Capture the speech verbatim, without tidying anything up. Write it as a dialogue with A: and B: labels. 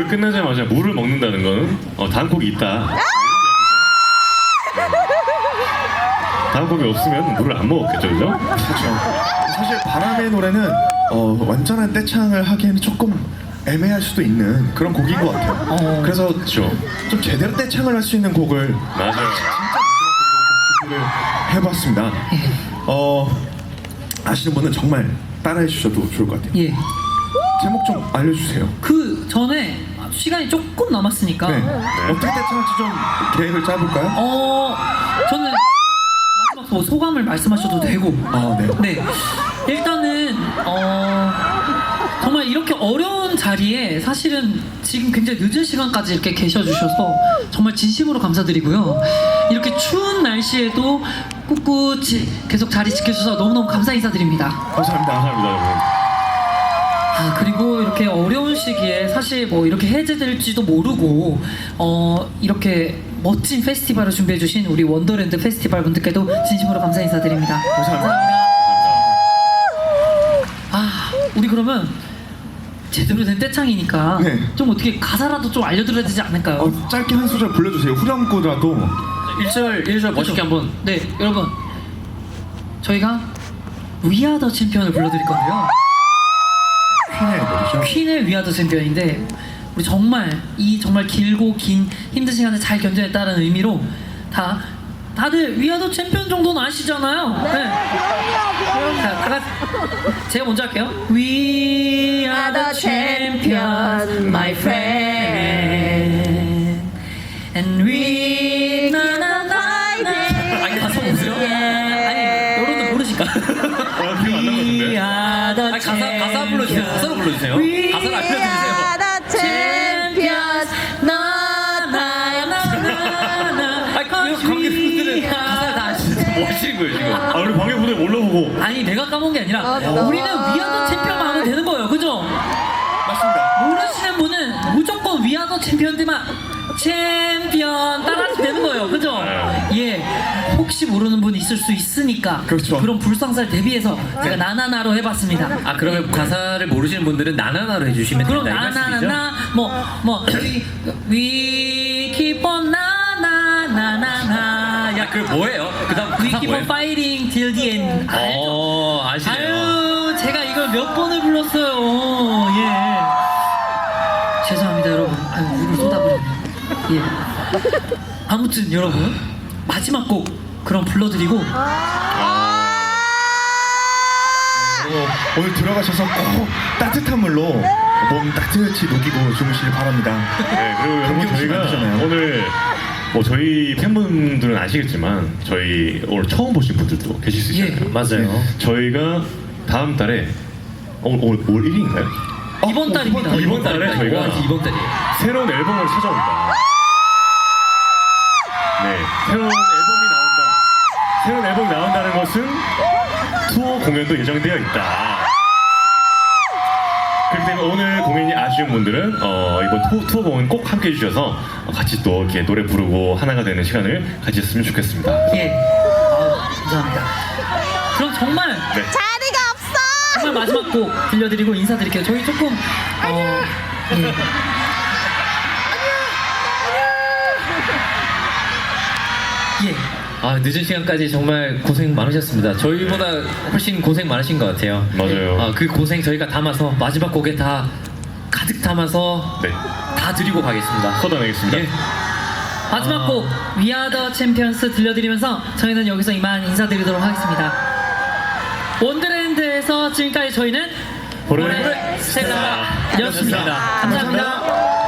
A: 끝나자마자 물을 먹는다는 거는 어, 다음 곡이 있다. 다음 곡이 없으면 물을 안 먹었겠죠, 그죠?
B: 그렇죠. 사실 바람의 노래는 어, 완전한 떼창을 하기에는 조금 애매할 수도 있는 그런 곡인 것 같아요.
C: 어.
B: 그래서
A: 그렇죠.
B: 좀 제대로 떼창을 할 수 있는 곡을
A: 맞아요.
B: 준비를 해봤습니다. 어, 아시는 분은 정말 따라해 주셔도 좋을 것 같아요.
C: 예.
B: 제목 좀 알려주세요.
C: 그 전에 시간이 조금 남았으니까
B: 네. 어떻게 떼창할지 좀 계획을 짜볼까요?
C: 어 저는 마지막 뭐 소감을 말씀하셔도 되고
B: 아, 네.
C: 네 일단은 어 정말 이렇게 어려운 자리에 사실은 지금 굉장히 늦은 시간까지 이렇게 계셔주셔서 정말 진심으로 감사드리고요. 이렇게 추운 날씨에도 꿋꿋이 계속 자리 지켜주셔서 너무너무 감사 인사드립니다.
B: 감사합니다.
A: 감사합니다, 여러분.
C: 아 그리고 이렇게 어려운 시기에 사실 뭐 이렇게 해제될지도 모르고 어 이렇게 멋진 페스티벌을 준비해주신 우리 원더랜드 페스티벌 분들께도 진심으로 감사 인사드립니다.
B: 감사합니다.
C: 아 우리 그러면 제대로 된 떼창이니까
B: 네.
C: 좀 어떻게 가사라도 좀 알려드려야 되지 않을까요?
B: 어, 짧게 한 소절 불러주세요. 후렴구라도.
D: 일 절 일 절 멋있게 한번.
C: 네 여러분 저희가 We Are The Champion을 불러드릴 건데요.
B: 퀸의 노래죠.
C: 퀸의 We Are The Champion인데 우리 정말 이 정말 길고 긴 힘든 시간을 잘 견뎌냈다는 의미로 다 다들 We Are The Champion 정도는 아시잖아요. 네. 자, 다 같이 제가 먼저 할게요. We are the champions, my friend, and we 나나나나. 아니 가사 모르세요? 아니 여러분들 모르실까?
A: 어, 기억 안
C: We
A: 나는데.
C: are the
D: 아니, 가사 가사 불러주세요. 가사로 불러주세요. 가사를 알려주세요.
C: champions, 나나나나.
D: 아니 그 관객분들은 가사를 다 아시는데 뭐 하시는 거예요 지금?
A: 아, 우리 관객분들 몰라보고.
C: 아니 내가 까먹은 게 아니라 우리는 위아더 챔피언만 하면 되는 거예요, 그죠?
B: 맞습니다.
C: 모르시는 분은 무조건 위아더 챔피언들만 챔피언 따라하면 되는 거예요, 그죠? 예, 혹시 모르는 분이 있을 수 있으니까
B: 그렇죠.
C: 런 불상사를 대비해서 제가 나나나로 해봤습니다.
D: 아 그러면 가사를 모르시는 분들은 나나나로 해주시면
C: 그럼
D: 된다 이 말씀이죠?
C: 나나나나 뭐뭐 we, we keep on 나나나나나
D: 야, 그 뭐예요? 그다음
C: We
D: 가사
C: keep
D: 뭐예요?
C: on fighting till the end. 알죠?
D: 어, 아시네요.
C: 아유, 제가 이걸 몇 번을 불렀어요. 예. 죄송합니다, 여러분. 아유, 물을 쏟아버렸네. 예. 아무튼 여러분 마지막 곡 그럼 불러드리고
B: 어, 오늘 들어가셔서 꼭 따뜻한 물로 몸 따뜻히 녹이고 주무시길 바랍니다.
A: 네, 그리고 여러분
B: 감기 오시면
A: 저희가
B: 안 되잖아요.
A: 오늘 뭐 저희 팬분들은 아시겠지만 저희 오늘 처음 보신 분들도 계실 수 있잖아요.
C: 예,
D: 맞아요.
A: 저희가 다음 달에 어, 오늘 올 일 일인가요?
C: 이번 달입니다.
A: 어, 이번 달에 저희가
D: 와, 이번 달이에요.
A: 새로운 앨범을 찾아온다. 네, 새로운 앨범이 나온다. 새로운 앨범이 나온다는 것은 투어 공연도 예정되어 있다. 그렇기 때문에 오늘 공연이 아쉬운 분들은 어, 이번 투어, 투어 공연 꼭 함께 해주셔서 같이 또 이렇게 노래 부르고 하나가 되는 시간을 가졌으면 좋겠습니다.
C: 예. 아, 감사합니다. 그럼 정말
A: 네.
E: 자리가 없어.
C: 정말 마지막 곡 들려드리고 인사드릴게요. 저희 조금 어, 예. 예.
D: 아 늦은 시간까지 정말 고생 많으셨습니다. 저희보다 훨씬 고생 많으신 것 같아요.
A: 맞아요.
D: 아, 그 고생 저희가 담아서 마지막 곡에 다 가득 담아서
A: 네,
D: 다 드리고 가겠습니다.
A: 쏟아내겠습니다.
D: 예.
C: 마지막
D: 아.
C: 곡 We Are The Champions 들려드리면서 저희는 여기서 이만 인사드리도록 하겠습니다. 원더랜드에서 지금까지 저희는
A: 보레
C: 보레 스텔라였습니다.
A: 스텔라.
C: 감사합니다.